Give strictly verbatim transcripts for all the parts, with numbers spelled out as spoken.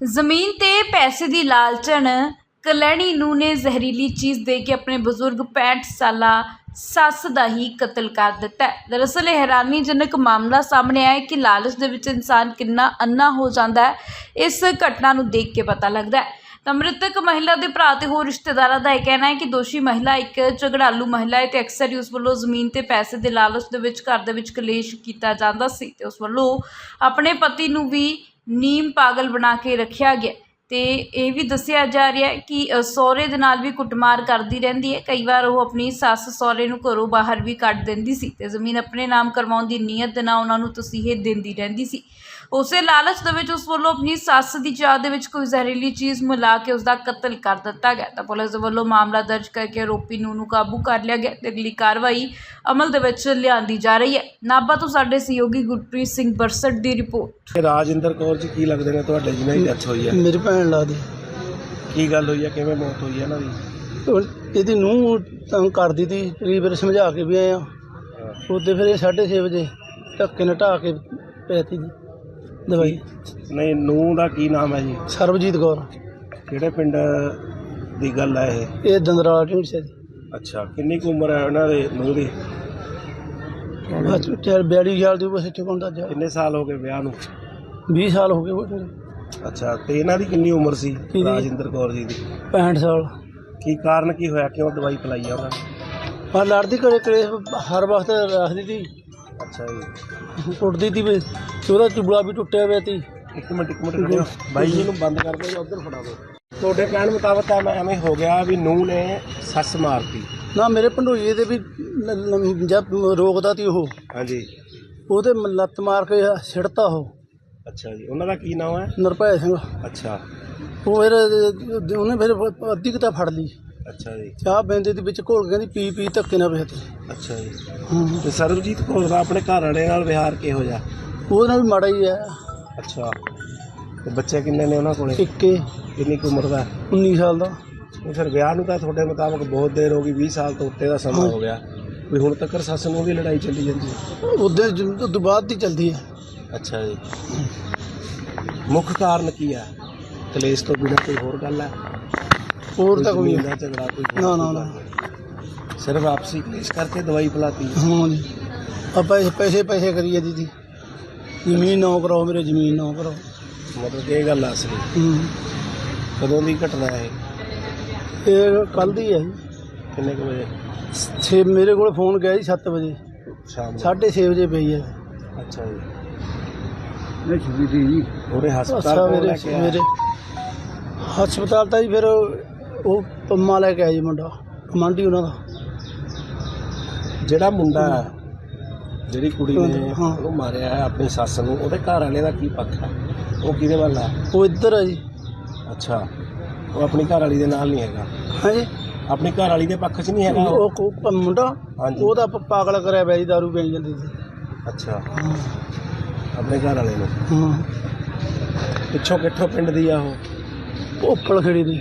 ਜ਼ਮੀਨ ਤੇ ਪੈਸੇ ਦੀ ਲਾਲਚਣ ਕਲੈਣੀ ਨੂੰ ਨੇ ਜ਼ਹਿਰੀਲੀ ਚੀਜ਼ ਦੇ ਕੇ ਆਪਣੇ ਬਜ਼ੁਰਗ ਪੈਂਹਠ ਸਾਲਾ ਸੱਸ ਦਾ ਹੀ ਕਤਲ ਕਰ ਦਿੱਤਾ ਹੈ। ਦਰਅਸਲ ਇਹ ਹੈਰਾਨੀਜਨਕ ਮਾਮਲਾ ਸਾਹਮਣੇ ਆਇਆ ਕਿ ਲਾਲਚ ਦੇ ਵਿੱਚ ਇਨਸਾਨ ਕਿੰਨਾ ਅੰਨਾ ਹੋ ਜਾਂਦਾ ਹੈ, ਇਸ ਘਟਨਾ ਨੂੰ ਦੇਖ ਕੇ ਪਤਾ ਲੱਗਦਾ ਹੈ। ਤਾਂ ਮ੍ਰਿਤਕ ਮਹਿਲਾ ਦੇ ਭਰਾ ਤੇ ਹੋਰ ਰਿਸ਼ਤੇਦਾਰਾਂ ਦਾ ਇਹ ਕਹਿਣਾ ਹੈ ਕਿ ਦੋਸ਼ੀ ਮਹਿਲਾ ਇੱਕ ਝਗੜਾਲੂ ਮਹਿਲਾ ਹੈ ਤੇ ਅਕਸਰ ਹੀ ਉਸ ਵੱਲੋਂ ਜ਼ਮੀਨ ਤੇ ਪੈਸੇ ਦੇ ਲਾਲਚ ਦੇ ਵਿੱਚ ਘਰ ਦੇ ਵਿੱਚ ਕਲੇਸ਼ ਕੀਤਾ ਜਾਂਦਾ ਸੀ ਤੇ ਉਸ ਵੱਲੋਂ ਆਪਣੇ ਪਤੀ ਨੂੰ ਵੀ ਨੀਮ ਪਾਗਲ ਬਣਾ ਕੇ ਰੱਖਿਆ ਗਿਆ। ਤੇ ਇਹ ਵੀ ਦੱਸਿਆ ਜਾ ਰਿਹਾ ਹੈ ਕਿ ਅ, ਸਹੁਰੇ ਦੇ ਨਾਲ ਵੀ ਕੁੱਟਮਾਰ ਕਰਦੀ ਰਹਿੰਦੀ ਹੈ। ਕਈ ਵਾਰ ਉਹ ਆਪਣੀ ਸੱਸ ਸਹੁਰੇ ਨੂੰ ਘਰੋਂ ਬਾਹਰ ਵੀ ਕੱਢ ਦਿੰਦੀ ਸੀ ਤੇ ਜ਼ਮੀਨ ਆਪਣੇ ਨਾਮ ਕਰਵਾਉਣ ਦੀ ਨੀਅਤ ਦੇ ਨਾਲ ਉਹਨਾਂ ਨੂੰ ਤਸੀਹੇ ਦਿੰਦੀ ਰਹਿੰਦੀ ਸੀ। ਉਸੇ ਲਾਲਚ ਦੇ ਵਿੱਚ ਉਸ ਵੱਲੋਂ ਆਪਣੀ ਸੱਸ ਦੀ ਚਾਹ ਦੇ ਵਿੱਚ ਕੋਈ ਜ਼ਹਿਰੀਲੀ ਚੀਜ਼ ਮਿਲਾ ਕੇ ਉਸ ਦਾ ਕਤਲ ਕਰ ਦਿੱਤਾ ਗਿਆ। ਤਾਂ ਪੁਲਿਸ ਦੇ ਵੱਲੋਂ ਮਾਮਲਾ ਦਰਜ ਕਰਕੇ ਆਰੋਪੀ ਨੂੰ ਨੂੰ ਕਾਬੂ ਕਰ ਲਿਆ ਗਿਆ ਤੇ ਅਗਲੀ ਕਾਰਵਾਈ ਅਮਲ ਦੇ ਵਿੱਚ ਲਿਆਂਦੀ ਜਾ ਰਹੀ ਹੈ। ਨਾਭਾ ਤੋਂ ਸਾਡੇ ਸਹਿਯੋਗੀ ਗੁਰਪ੍ਰੀਤ ਸਿੰਘ ਬਰਸਟ ਦੀ ਰਿਪੋਰਟ। ਰਾਜਿੰਦਰ ਕੌਰ ਜੀ ਕੀ ਲੱਗਦੇ ਨੇ ਤੁਹਾਡੇ ਜਿਹਨਾਂ ਦੀ ਡੈਥ ਹੋਈ ਹੈ? ਮੇਰੀ ਭੈਣ ਲੱਗਦੀ। ਕੀ ਗੱਲ ਹੋਈ ਹੈ, ਕਿਵੇਂ ਮੌਤ ਹੋਈ ਹੈ ਇਹਨਾਂ ਦੀ? ਉਹ- ਇਹਦੀ ਨੂੰਹ ਤੰਗ ਕਰਦੀ ਤੀ, ਕਈ ਵਾਰ ਸਮਝਾ ਕੇ ਵੀ ਆਏ ਆ। ਉਹਦੇ ਫਿਰ ਇਹ ਸਾਢੇ ਛੇ ਵਜੇ ਧੱਕੇ ਨਾਲ ਢਾਹ ਕੇ ਪੈਤੀ ਦੀ ਦਵਾਈ। ਨਹੀਂ, ਨੂੰਹ ਦਾ ਕੀ ਨਾਮ ਹੈ ਜੀ? ਸਰਬਜੀਤ ਕੌਰ। ਕਿਹੜੇ ਪਿੰਡ ਦੀ ਗੱਲ ਹੈ ਇਹ? ਇਹ ਦੰਦਰਾਲਾ ਢੀਂਡਸੇ ਦੀ। ਅੱਛਾ, ਕਿੰਨੀ ਕੁ ਉਮਰ ਹੈ ਉਹਨਾਂ ਦੇ ਨੂੰਹ ਦੀ? ਬਸ ਚਾਰ ਬਿਆਲੀ ਸਾਲ ਦੀ ਬਸ ਇੱਥੇ ਕੋਂਦਾ ਜਾ ਕਿੰਨੇ ਸਾਲ ਹੋ ਗਏ ਵਿਆਹ ਨੂੰ? ਵੀਹ ਸਾਲ ਹੋ ਗਏ ਉਹ ਅੱਛਾ, ਤੇ ਇਹਨਾਂ ਦੀ ਕਿੰਨੀ ਉਮਰ ਸੀ ਕਿਹਦੀ? ਰਾਜਿੰਦਰ ਕੌਰ ਜੀ ਦੀ? ਪੈਂਹਠ ਸਾਲ। ਕੀ ਕਾਰਨ ਕੀ ਹੋਇਆ, ਕਿਉਂ ਦਵਾਈ ਪਿਲਾਈ ਆ ਉਹਨਾਂ ਨੇ? ਪਰ ਲੜਦੀ ਘਰੇ ਕਲੇਸ਼ ਹਰ ਵਕਤ ਰੱਖਦੀ ਤੀ, ਅੱਛਾ ਜੀ, ਕੁੱਟਦੀ ਤੀ ਵੀ ਤੇ ਉਹਦਾ ਚੁਬਲਾ ਵੀ ਟੁੱਟਿਆ ਪਿਆ ਤੀ। ਇੱਕ ਮਿੰਟ ਇੱਕ ਮਿੰਟ ਖੜਿਓ ਬਾਈ ਜੀ ਨੂੰ ਬੰਦ ਕਰ ਦਿਓ ਜਾਂ ਉੱਧਰ ਫੜਾ ਦਿਓ। ਤੁਹਾਡੇ ਕਹਿਣ ਮੁਤਾਬਕ ਤਾਂ ਮੈਂ ਐਵੇਂ ਹੋ ਗਿਆ ਵੀ ਨੂੰਹ ਨੇ ਸੱਸ ਮਾਰਤੀ? ਨਾ ਮੇਰੇ ਭੰਡੋਈਏ ਦੇ ਵੀ ਲ- ਲ- ਜਦ ਰੋਕਦਾ ਤੀ ਉਹ, ਹਾਂਜੀ। ਉਹਦੇ ਲੱਤ ਮਾਰ ਕੇ ਸਿੱਟਤਾ ਉਹ। ਅੱਛਾ ਜੀ, ਉਹਨਾਂ ਦਾ ਕੀ ਨਾਮ ਹੈ? ਨਿਰਭੈ ਸਿੰਘ। ਅੱਛਾ ਉਹ ਫਿਰ ਉਹਨੇ ਫਿਰ ਅੱਧੀ ਕੁ ਤਾਂ ਫੜ ਲਈ, ਅੱਛਾ ਜੀ, ਚਾਹ ਬੈਂਦੇ ਦੇ ਵਿੱਚ ਘੋਲ ਕੇ ਕਹਿੰਦੀ ਪੀ ਪੀ ਧੱਕੇ ਨਾਲ ਵੇਚਤੀ। ਅੱਛਾ ਜੀ। ਹਾਂ, ਤੇ ਸਰਬਜੀਤ ਕੌਰ ਦਾ ਆਪਣੇ ਘਰ ਵਾਲੇ ਨਾਲ ਵਿਹਾਰ ਕਿਹੋ ਜਿਹਾ? ਉਹਦੇ ਨਾਲ ਵੀ ਮਾੜਾ ਹੀ ਹੈ। ਅੱਛਾ, ਤੇ ਬੱਚੇ ਕਿੰਨੇ ਨੇ ਉਹਨਾਂ ਕੋਲੇ? ਇੱਕੇ ਕਿੰਨੀ ਕੁ ਉਮਰ ਦਾ? ਉੱਨੀ ਸਾਲ ਦਾ। ਤੇ ਫਿਰ ਵਿਆਹ ਨੂੰ ਤਾਂ ਤੁਹਾਡੇ ਮੁਤਾਬਕ ਬਹੁਤ ਦੇਰ ਹੋ ਗਈ, ਵੀਹ ਸਾਲ ਤੋਂ ਉੱਤੇ ਦਾ ਸਮਾਂ ਹੋ ਗਿਆ, ਵੀ ਹੁਣ ਤੱਕ ਸੱਸ ਨੂੰ ਵੀ ਲੜਾਈ ਚੱਲੀ ਜਾਂਦੀ ਹੈ? ਉਹਦੇ ਤੋਂ ਬਾਅਦ ਦੀ ਚੱਲਦੀ ਹੈ। ਅੱਛਾ ਜੀ, ਮੁੱਖ ਕਾਰਨ ਕੀ ਹੈ? ਕਲੇਸ਼ ਤੋਂ ਬਿਨਾਂ ਕੋਈ ਹੋਰ ਗੱਲ ਹੈ? ਹੋਰ ਤਾਂ ਕੋਈ ਜ਼ਮੀਨ ਦਾ ਝਗੜਾ ਕੋਈ ਹੋਰ ਨਾ ਨਾ ਨਾ। ਗੱਲ? ਸਿਰਫ ਆਪਸੀ ਕਲੇਸ਼ ਕਰਕੇ ਦਵਾਈ ਪਿਲਾਤੀ? ਹਾਂ ਜੀ, ਆਪਾਂ ਇਹ ਪੈਸੇ ਪੈਸੇ ਕਰੀਏ ਦੀਦੀ, ਜ਼ਮੀਨ ਨਾ ਕਰਾਓ ਮੇਰੇ, ਜ਼ਮੀਨ ਨਾ ਕਰਾਓ। ਮਤਲਬ ਇਹ ਗੱਲ ਆ ਅਸਲੀ? ਹੂੰ, ਕਦੋਂ ਦੀ ਘਟਨਾ ਹੈ ਇਹ? ਇਹ ਕੱਲ੍ਹ ਦੀ ਹੈ ਜੀ। ਕਿੰਨੇ ਕੁ ਵਜੇ? ਛੇ ਮੇਰੇ ਕੋਲ ਫੋਨ ਗਿਆ ਜੀ ਸੱਤ ਵਜੇ, ਸ਼ਾਮ ਨੂੰ? ਸਾਢੇ ਛੇ ਵਜੇ ਪਈ ਹੈ। ਅੱਛਾ ਜੀ, ਨਹੀਂ ਛੁੱਟੀ ਦੀ ਜੀ। ਉਹਦੇ ਅੱਛਾ ਹਸਪਤਾਲ ਕੋਲ ਮੇਰੇ ਲੈ ਕੇ ਆਇਆ? ਮੇਰੇ ਹਸਪਤਾਲ ਤਾਂ ਜੀ ਫਿਰ ਉਹ ਪੰਮਾ ਲੈ ਕੇ ਆਇਆ ਜੀ, ਮੁੰਡਾ ਕਮਾਂਡੀ ਉਹਨਾਂ ਦਾ। ਜਿਹੜਾ ਮੁੰਡਾ ਜਿਹੜੀ ਕੁੜੀ ਨੇ ਹਾਂ। ਉਹਨੂੰ ਮਾਰਿਆ ਹੈ ਆਪਣੀ ਸੱਸ ਨੂੰ, ਉਹਦੇ ਘਰ ਵਾਲੇ ਦਾ ਕੀ ਪੱਖ ਹੈ? ਉਹ ਕਿਹਦੇ ਵੱਲ ਹੈ? ਉਹ ਇੱਧਰ ਹੈ ਜੀ। ਅੱਛਾ, ਉਹ ਆਪਣੀ ਘਰ ਵਾਲੀ ਦੇ ਨਾਲ ਨਹੀਂ ਹੈਗਾ? ਹਾਂਜੀ, ਆਪਣੀ ਘਰ ਵਾਲੀ ਦੇ ਪੱਖ 'ਚ ਨਹੀਂ ਹੈਗਾ ਉਹ? ਉਹ ਉਹ ਮੁੰਡਾ ਹਾਂਜੀ। ਉਹਦਾ ਪ- ਪਾਗਲ ਕਰਿਆ ਪਿਆ ਜੀ, ਦਾਰੂ ਪੀਣ ਜਾਂਦੀ ਸੀ। ਅੱਛਾ, ਹਾਂ ਆਪਣੇ ਘਰ ਵਾਲੇ ਨੂੰ? ਹਾਂ, ਪਿੱਛੋਂ ਕਿੱਥੋਂ ਪਿੰਡ ਦੀ ਆ ਉਹ? ਉੱਪਲ ਖੜੀ ਦੀ।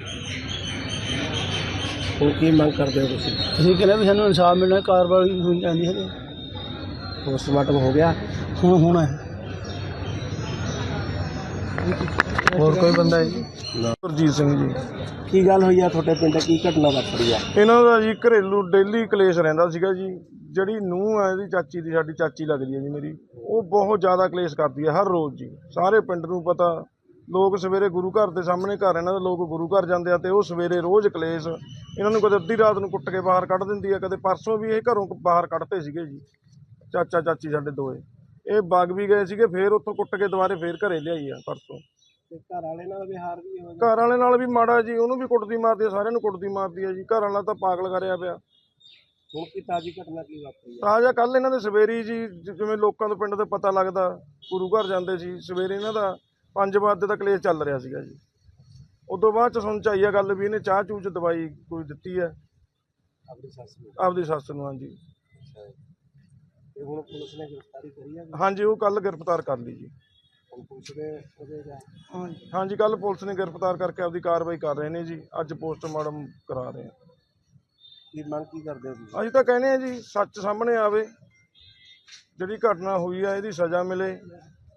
ਹੁਣ ਕੀ ਮੰਗ ਕਰਦੇ ਹੋ ਤੁਸੀਂ? ਅਸੀਂ ਕਹਿੰਦੇ ਵੀ ਸਾਨੂੰ ਇਨਸਾਫ ਮਿਲਣਾ, ਕਾਰਵਾਈ ਹੋਣੀ ਚਾਹੀਦੀ ਹੈ। ਪੋਸਟਮਾਰਟਮ ਹੋ ਗਿਆ? ਹੁਣ ਹੋਣਾ ਹੈ। ਹੋਰ ਕੋਈ ਬੰਦਾ ਹੈ ਜੀ? ਗੁਰਜੀਤ ਸਿੰਘ ਜੀ। ਕੀ ਗੱਲ ਹੋਈ ਆ ਤੁਹਾਡੇ ਪਿੰਡ? ਕੀ ਘਟਨਾ ਵਾਪਰੀ ਆ? ਇਹਨਾਂ ਦਾ ਜੀ ਘਰੇਲੂ ਡੇਲੀ ਕਲੇਸ਼ ਰਹਿੰਦਾ ਸੀਗਾ ਜੀ। ਜਿਹੜੀ ਨੂੰਹ ਹੈ ਇਹਦੀ ਚਾਚੀ ਦੀ, ਸਾਡੀ ਚਾਚੀ ਲੱਗਦੀ ਹੈ ਜੀ ਮੇਰੀ, ਉਹ ਬਹੁਤ ਜ਼ਿਆਦਾ ਕਲੇਸ਼ ਕਰਦੀ ਹੈ ਹਰ ਰੋਜ਼ ਜੀ। ਸਾਰੇ ਪਿੰਡ ਨੂੰ ਪਤਾ, ਲੋਕ ਸਵੇਰੇ ਗੁਰੂ ਘਰ ਦੇ ਸਾਹਮਣੇ ਘਰ ਇਹਨਾਂ ਦੇ, ਲੋਕ ਗੁਰੂ ਘਰ ਜਾਂਦੇ ਆ ਤੇ ਉਹ ਸਵੇਰੇ ਰੋਜ਼ ਕਲੇਸ਼। ਇਹਨਾਂ ਨੂੰ ਕਦੇ ਅੱਧੀ ਰਾਤ ਨੂੰ ਕੁੱਟ ਕੇ ਬਾਹਰ ਕੱਢ ਦਿੰਦੀ ਹੈ, ਕਦੇ ਪਰਸੋਂ ਵੀ ਇਹ ਘਰੋਂ ਬਾਹਰ ਕੱਢਤੇ ਸੀਗੇ ਜੀ ਚਾਚਾ ਚਾਚੀ ਸਾਡੇ ਦੋਏ। ਇਹ ਬਾਗ ਵੀ ਗਏ ਸੀਗੇ, ਫੇਰ ਉੱਥੋਂ ਕੁੱਟ ਕੇ ਦੁਬਾਰੇ ਫੇਰ ਘਰੇ ਲਿਆਈ ਆ ਪਰਸੋਂ। ਤੇ ਘਰ ਵਾਲੇ ਨਾਲ ਵਿਹਾਰ ਵੀ ਹੋ ਘਰ ਵਾਲੇ ਨਾਲ ਵੀ ਮਾੜਾ ਜੀ, ਉਹਨੂੰ ਵੀ ਕੁੱਟਦੀ ਮਾਰਦੀ ਹੈ, ਸਾਰਿਆਂ ਨੂੰ ਕੁੱਟਦੀ ਮਾਰਦੀ ਹੈ ਜੀ। ਘਰ ਵਾਲਾ ਤਾਂ ਪਾਗਲ ਕਰਿਆ ਪਿਆ। ਹੁਣ ਕੀ ਤਾਜੀ ਘਟਨਾ ਕੀ ਵਾਪਰੀ ਆ? ਤਾਜ਼ਾ ਕੱਲ੍ਹ ਇਹਨਾਂ ਦੇ ਸਵੇਰੀ ਜੀ, ਜ- ਜਿਵੇਂ ਲੋਕਾਂ ਤੋਂ ਪਿੰਡ ਦੇ ਪਤਾ ਲੱਗਦਾ, ਗੁਰੂ ਘਰ ਜਾਂਦੇ ਸੀ ਸਵੇਰੇ, ਇਹਨਾਂ ਦਾ ਪੰਜ ਵਜੇ ਦਾ ਕਲੇਸ਼ ਚੱਲ ਰਿਹਾ ਸੀਗਾ ਜੀ। ਉਦੋਂ ਬਾਅਦ ਚ ਸੁਣ ਚ ਆਈ ਆ ਗੱਲ ਵੀ ਇਹਨੇ ਚਾਹ ਚੂਹ ਚ ਦਵਾਈ ਕੋਈ ਦਿੱਤੀ ਹੈ ਆਪਣੀ ਸੱਸ ਨੂੰ? ਆਪਦੀ ਸੱਸ ਨੂੰ। ਹਾਂਜੀ ਅੱਛਾ, ਤੇ ਹੁਣ ਪੁਲਿਸ ਨੇ ਗ੍ਰਿਫਤਾਰੀ ਕਰੀ ਆ? ਹਾਂਜੀ, ਉਹ ਕੱਲ੍ਹ ਗ੍ਰਿਫਤਾਰ ਕਰ ਲਈ ਜੀ। ਹੁਣ ਪੁਲਿਸ ਦੇ ਉਹਦੇ ਦਾ ਹਾਂਜੀ, ਹਾਂਜੀ, ਕੱਲ੍ਹ ਪੁਲਿਸ ਨੇ ਗ੍ਰਿਫਤਾਰ ਕਰਕੇ ਆਪਦੀ ਕਾਰਵਾਈ ਕਰ ਰਹੇ ਨੇ ਜੀ। ਅੱਜ ਪੋਸਟਮਾਰਟਮ ਕਰਾ ਰਹੇ ਆ। ਕੀ ਮੰਗ ਕੀ ਕਰਦੇ ਹੋ ਤੁਸੀਂ? ਅਸੀਂ ਤਾਂ ਕਹਿੰਦੇ ਆ ਜੀ, ਸੱਚ ਸਾਹਮਣੇ ਆਵੇ, ਜਿਹੜੀ ਘਟਨਾ ਹੋਈ ਆ ਇਹਦੀ ਸਜ਼ਾ ਮਿਲੇ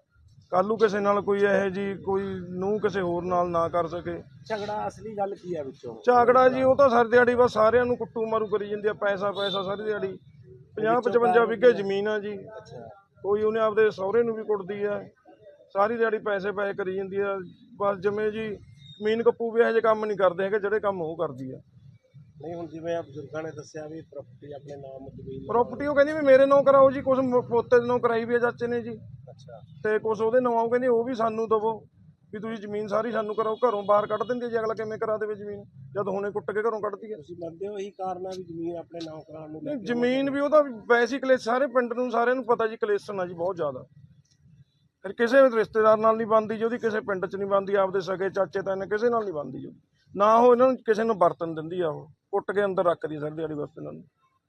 ਕੱਲ੍ਹ ਨੂੰ ਕਿਸੇ ਨਾਲ ਕੋਈ ਇਹੋ ਜੀ ਕੋਈ ਨੂੰ ਕਿਸੇ ਹੋਰ ਨਾਲ ਨਾ ਕਰ ਸਕੇ। ਝਗੜਾ ਅਸਲੀ ਗੱਲ ਕੀ ਹੈ ਵਿੱਚੋਂ? ਝਾਗੜਾ ਜੀ ਉਹ ਤਾਂ ਸਾਰੀ ਦਿਹਾੜੀ ਬਸ ਸਾਰਿਆਂ ਨੂੰ ਕੁੱਟੂ ਮਾਰੂ ਕਰੀ ਜਾਂਦੀ ਆ, ਪੈਸਾ ਪੈਸਾ ਸਾਰੀ ਦਿਹਾੜੀ। ਪੰਜਾਹ ਪਚਵੰਜਾ ਵਿਗੇ ਜ਼ਮੀਨ ਆ ਜੀ। ਅੱਛਾ, ਕੋਈ ਉਹਨੇ ਆਪਦੇ ਸਹੁਰੇ ਨੂੰ ਵੀ ਕੁੱਟਦੀ ਆ, ਸਾਰੀ ਦਿਹਾੜੀ ਪੈਸੇ ਪੈਸੇ ਕਰੀ ਜਾਂਦੀ ਆ। ਬਸ ਜਿਵੇਂ ਜੀ ਜ਼ਮੀਨ ਕੱਪੂ ਵੀ ਇਹੋ ਜਿਹੇ ਕੰਮ ਨਹੀਂ ਕਰਦੇ ਹੈਗੇ ਜਿਹੜੇ ਕੰਮ ਉਹ ਕਰਦੀ ਆ। ਨਹੀਂ ਹੁਣ ਜਿਵੇਂ ਆ ਬਜ਼ੁਰਗਾਂ ਨੇ ਦੱਸਿਆ ਵੀ ਪ੍ਰਾਪਰਟੀ ਆਪਣੇ ਨਾਮ ਜ਼ਮੀਨ ਪ੍ਰਾਪਰਟੀ ਉਹ ਕਹਿੰਦੀ ਵੀ ਮੇਰੇ ਨਾਂ ਕਰਾਓ ਜੀ, ਕੁਛ ਮ- ਪੋਤੇ ਦੇ ਨਾਂ ਕਰਾਈ ਵੀ ਆ ਚਾਚੇ ਨੇ ਜੀ, ਅੱਛਾ, ਤੇ ਕੁਛ ਉਹਦੇ ਨਾਂ ਉਹ ਕਹਿੰਦੀ ਉਹ ਵੀ ਸਾਨੂੰ ਦਵੋ ਵੀ ਤੁਸੀਂ ਜ਼ਮੀਨ ਸਾਰੀ ਸਾਨੂੰ ਕਰਾਓ। ਘਰੋਂ ਬਾਹਰ ਕੱਢ ਦਿੰਦੀ ਆ ਜੀ, ਅਗਲਾ ਕਿਵੇਂ ਕਰਾ ਦੇਵੇ ਜ਼ਮੀਨ ਜਦ ਹੁਣੇ ਕੁੱਟ ਕੇ ਘਰੋਂ ਕੱਢਦੀ ਆ। ਤੁਸੀਂ ਮੰਨਦੇ ਹੋ ਇਹੀ ਕਾਰਨ ਆ ਵੀ ਜ਼ਮੀਨ ਆਪਣੇ ਨਾਮ ਕਰਾਉਣ ਨੂੰ ਲੈ ਨਹੀਂ, ਕੇ? ਜ਼ਮੀਨ ਵੀ ਉਹਦਾ ਵੈਸੇ ਹੀ ਕਲੇਸ਼, ਸਾਰੇ ਪਿੰਡ ਨੂੰ ਸਾਰਿਆਂ ਨੂੰ ਪਤਾ ਜੀ ਕਲੇਸ਼ਨ ਆ ਜੀ ਬਹੁਤ ਜ਼ਿਆਦਾ। ਫਿਰ ਕਿਸੇ ਵੀ ਰਿਸ਼ਤੇਦਾਰ ਨਾਲ ਨਹੀਂ ਬਣਦੀ ਜੀ ਉਹਦੀ, ਕਿਸੇ ਪਿੰਡ 'ਚ ਨਹੀਂ ਬਣਦੀ, ਆਪਦੇ ਸਕੇ ਚਾਚੇ ਤਾਏ ਕਿਸੇ ਨਾਲ ਨਹੀਂ ਬਣਦੀ ਜੀ, ਨਾ ਉਹ ਇਹਨਾਂ ਨੂੰ ਕਿਸੇ ਨੂੰ ਵਰਤਨ ਦਿੰਦੀ ਆ, ਉਹ ਕੁੱਟ ਕੇ ਅੰਦਰ ਰੱਖਦੀ ਸਾਰੀ ਦਿਹਾੜੀ ਬਸ ਇਹਨਾਂ ਨੂੰ।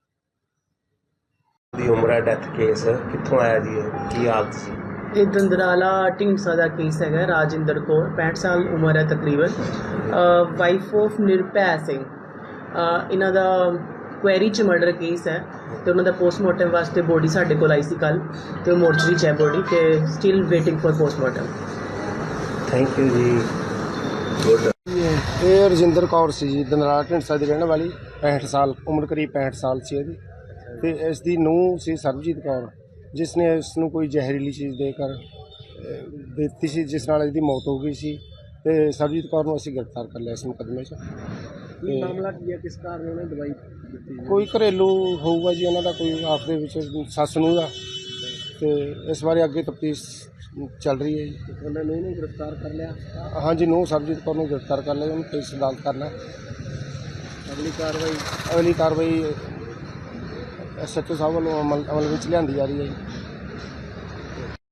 ਦੀ ਉਮਰ ਹੈ, ਡੈਥ ਕੇਸ ਕਿੱਥੋਂ ਆਇਆ ਜੀ, ਇਹ ਕੀ ਹਾਲਤ ਸੀ? ਇਹ ਦੰਦਰਾਲਾ ਢੀਂਡਸਾ ਦਾ ਕੇਸ ਹੈਗਾ। ਰਾਜਿੰਦਰ ਕੌਰ ਪੈਂਹਠ ਸਾਲ ਉਮਰ ਹੈ ਤਕਰੀਬਨ, ਵਾਈਫ ਆਫ ਨਿਰਭੈ ਸਿੰਘ। ਅਹ ਇਹਨਾਂ ਦਾ ਕੁਐਰੀ 'ਚ ਮਰਡਰ ਕੇਸ ਹੈ ਤੇ ਉਹਨਾਂ ਦਾ ਪੋਸਟਮਾਰਟਮ ਵਾਸਤੇ ਬੋਡੀ ਸਾਡੇ ਕੋਲ ਆਈ ਸੀ ਕੱਲ੍ਹ, ਤੇ ਉਹ ਮੋਰਚਰੀ 'ਚ ਹੈ ਬੋਡੀ, ਤੇ still waiting for postmortem. Thank you ji. Good. ਇਹ ਰਜਿੰਦਰ ਕੌਰ ਸੀ ਜੀ, ਦੰਦਰਾਲਾ ਢੀਂਡਸਾ ਦੀ ਰਹਿਣ ਵਾਲੀ, ਪੈਂਹਠ ਸਾਲ ਉਮਰ, ਕਰੀਬ ਪੈਂਹਠ ਸਾਲ ਸੀ ਇਹਦੀ। ਤੇ ਇਸ ਦੀ ਨੂੰਹ ਸੀ ਸਰਬਜੀਤ ਕੌਰ, ਜਿਸ ਨੇ ਇਸ ਨੂੰ ਕੋਈ ਜ਼ਹਿਰੀਲੀ ਚੀਜ਼ ਦੇ ਕਰ ਅਹ, ਦਿੱਤੀ ਸੀ, ਜਿਸ ਨਾਲ ਇਹਦੀ ਮੌਤ ਹੋ ਗਈ ਸੀ। ਤੇ ਸਰਬਜੀਤ ਕੌਰ ਨੂੰ ਅਸੀਂ ਗ੍ਰਿਫਤਾਰ ਕਰ ਲਿਆ ਇਸ ਮੁਕੱਦਮੇ 'ਚ। ਕੀ ਮਾਮਲਾ ਕੀ ਹੈ, ਕਿਸ ਕਾਰਨ ਉਹਨੇ ਦਵਾਈ ਦਿੱਤੀ? ਕੋਈ ਘਰੇਲੂ ਹੋਊਗਾ ਜੀ ਉਹਨਾਂ ਦਾ, ਕੋਈ ਆਪ ਦੇ ਵਿੱਚ ਸੱਸ ਨੂੰ ਦਾ, ਤੇ ਇਸ ਬਾਰੇ ਅੱਗੇ ਤਫਤੀਸ਼ ਚੱਲ ਰਹੀ ਹੈ ਜੀ। ਉਹਨਾਂ ਨੇ ਇਹਨੂੰ ਗ੍ਰਿਫਤਾਰ ਕਰ ਲਿਆ। ਹਾਂਜੀ, ਨੂੰਹ ਸਰਬਜੀਤ ਕੌਰ ਨੂੰ ਗ੍ਰਿਫਤਾਰ ਕਰ ਲਿਆ, ਉਹਨੂੰ ਪੁਲਿਸ ਅਦਾਲਤ ਕਰਨਾ। ਅਗਲੀ ਕਾਰਵਾਈ ਅਗਲੀ ਕਾਰਵਾਈ ਐਸ ਐਚ ਓ ਸਾਹਿਬ ਵੱਲੋਂ ਅਮਲ ਅਮਲ ਵਿੱਚ ਲਿਆਂਦੀ ਜਾ ਰਹੀ ਹੈ ਜੀ।